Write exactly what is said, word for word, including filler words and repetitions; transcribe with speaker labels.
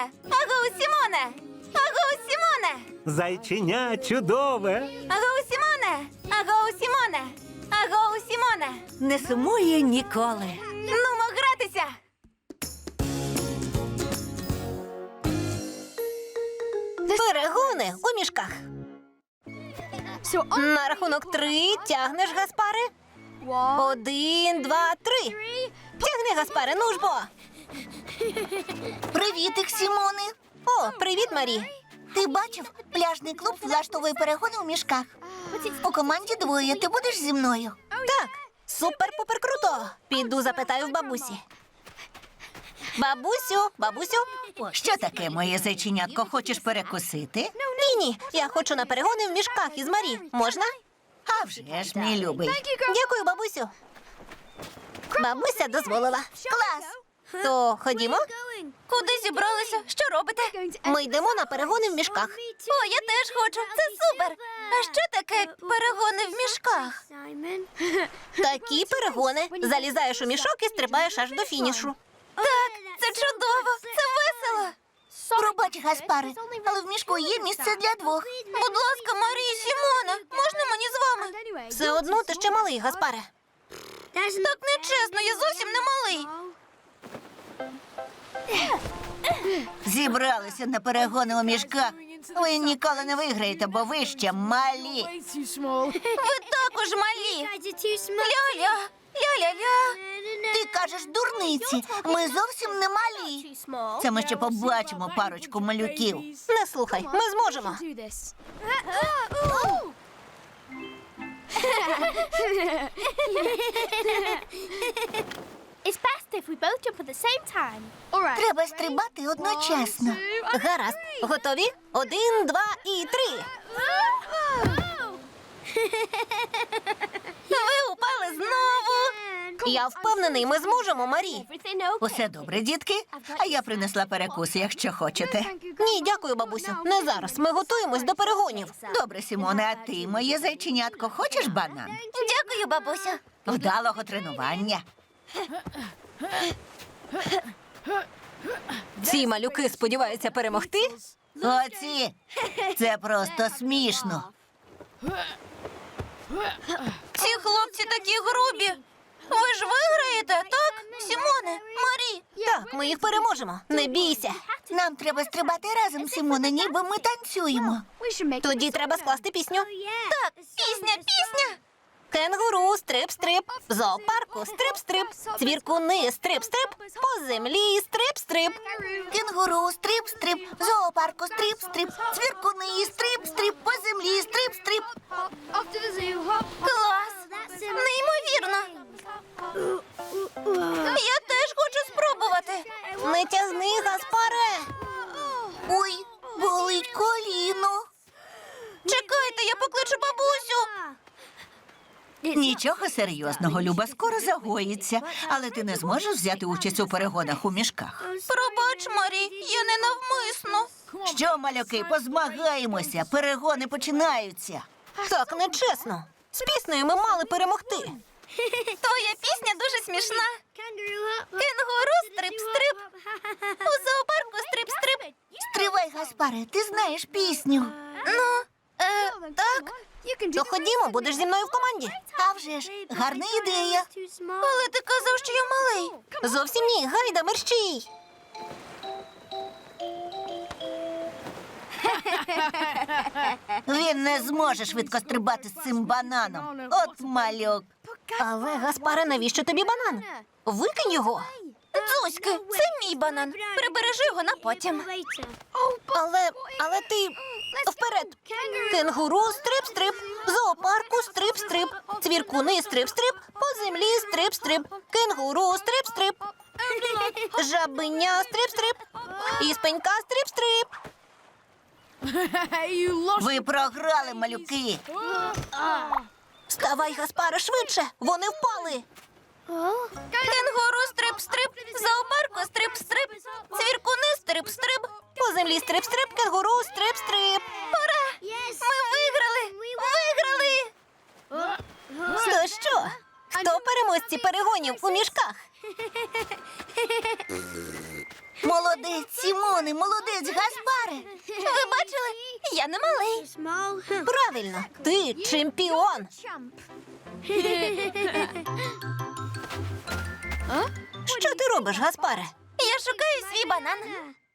Speaker 1: Сімоне! Агоу, Сімоне! Агоу, Сімоне!
Speaker 2: Зайченя чудове.
Speaker 1: Агоу, Сімоне! Агоу, Сімоне! Агоу, Сімоне!
Speaker 3: Не сумує ніколи.
Speaker 1: Нумо гратися!
Speaker 3: Перегони у мішках. На рахунок три тягнеш, Гаспаре. Один, два, три. Тягни, Гаспаре, ну ж бо.
Speaker 4: Привітик, Сімоне.
Speaker 3: О, привіт, Марі.
Speaker 4: Ти бачив, пляжний клуб влаштовує перегони у мішках. У команді двоє. Ти будеш зі мною?
Speaker 3: Так, супер-пупер круто. Піду запитаю в бабусі. Бабусю, бабусю.
Speaker 4: Що таке, моє зайченятко? Хочеш перекусити?
Speaker 3: Ні-ні, я хочу на перегони в мішках із Марі. Можна?
Speaker 4: А вже ж, мій любий.
Speaker 3: Дякую, бабусю. Бабуся дозволила.
Speaker 4: Клас!
Speaker 3: То ходімо.
Speaker 1: Куди зібралися? Що робите?
Speaker 3: Ми йдемо на перегони в мішках.
Speaker 1: О, я теж хочу. Це супер. А що таке перегони в мішках?
Speaker 3: Такі перегони. Залізаєш у мішок і стрибаєш аж до фінішу.
Speaker 1: Так, це чудово. Це весело.
Speaker 4: Пробач, Гаспаре, але в мішку є місце для двох.
Speaker 1: Будь ласка, Марія, Сімоне, можна мені з вами?
Speaker 3: Все одно ти ще малий, Гаспаре.
Speaker 1: Так нечесно, я зовсім не малий.
Speaker 4: Зібралися на перегони у мішках. Ви ніколи не виграєте, бо ви ще малі.
Speaker 1: Ви також малі. Ля-ля, ля-ля-ля.
Speaker 4: Ти кажеш дурниці. Ми зовсім не малі. Це ми ще побачимо парочку малюків.
Speaker 3: Не слухай, ми зможемо.
Speaker 5: It's best if we both jump at the same time.
Speaker 4: Треба стрибати одночасно.
Speaker 3: Гаразд. Готові? Один, два і три.
Speaker 1: Ви упали знову.
Speaker 3: Я впевнений, ми зможемо, Марі.
Speaker 4: Усе добре, дітки? А я принесла перекуси, якщо хочете.
Speaker 3: Ні, дякую, бабусю. Не зараз. Ми готуємось до перегонів.
Speaker 4: Добре, Сімоне, а ти, моє зайченятко, хочеш банан?
Speaker 1: Дякую, бабусю.
Speaker 4: Вдалого тренування.
Speaker 3: Ці малюки сподіваються перемогти?
Speaker 4: Оці, це просто смішно.
Speaker 1: Ці хлопці такі грубі. Ви ж виграєте, так? Сімоне, Марі.
Speaker 3: Так, ми їх переможемо. Не бійся.
Speaker 4: Нам треба стрибати разом, Сімоне, ніби ми танцюємо.
Speaker 3: Тоді треба скласти пісню.
Speaker 1: Так, пісня, пісня.
Speaker 3: Кенгуру, стрип-стрип, в зоопарку стрип-стрип, цвіркуни, стрип-стрип, по землі стрип-стрип.
Speaker 4: Кенгуру, стрип-стрип, в зоопарку стрип-стрип, цвіркуни, стрип-стрип, по землі стрип-стрип.
Speaker 1: Клас. Неймовірно. Я теж хочу спробувати.
Speaker 3: Не тягни, Гаспаре.
Speaker 4: Ой, болить коліно.
Speaker 1: Чекайте, я покличу бабусю.
Speaker 4: Нічого серйозного, Люба, скоро загоїться. Але ти не зможеш взяти участь у перегонах у мішках.
Speaker 1: Пробач, Марі, я не навмисно.
Speaker 4: Що, малюки, позмагаємося, перегони починаються.
Speaker 3: Так нечесно. З піснею ми мали перемогти.
Speaker 1: Твоя пісня дуже смішна. Кенгуру, стрип-стрип. У зоопарку стрип-стрип.
Speaker 4: Стривай, Гаспаре, ти знаєш пісню.
Speaker 1: Ну, е, так,
Speaker 3: То ходімо, будеш зі мною в команді.
Speaker 4: А вже ж, гарна ідея.
Speaker 1: але ти казав, що я малий.
Speaker 3: Зовсім ні, гайда, мерщій.
Speaker 4: Він не зможе швидко стрибати з цим бананом. От малюк.
Speaker 3: Але, Гаспаре, навіщо тобі банан? Викинь його.
Speaker 1: Дзуськи, це мій банан. Прибережи його на потім.
Speaker 3: Але, але ти вперед. Кенгуру, стрип-стрип, в зоопарку стрип-стрип, цвіркуни, стрип-стрип, по землі стрип-стрип, кенгуру, стрип-стрип, жабеня, стрип-стрип, і спенька, стрип-стрип.
Speaker 4: Ви програли, малюки.
Speaker 3: Вставай, Гаспаре, швидше, вони впали.
Speaker 1: Кенгуру, стрип-стрип, в зоопарку стрип-стрип, цвіркуни, стрип-стрип.
Speaker 3: По землі стрип-стрип, кенгуру, стрип-стрип.
Speaker 1: Ми виграли! Виграли!
Speaker 3: То що? Хто переможці перегонів у мішках?
Speaker 4: Молодець, Сімоне, молодець, Гаспаре.
Speaker 1: Ви бачили? Я не малий.
Speaker 5: Small.
Speaker 3: Правильно, ти чемпіон. Що ти робиш, Гаспаре?
Speaker 1: Я шукаю свій банан.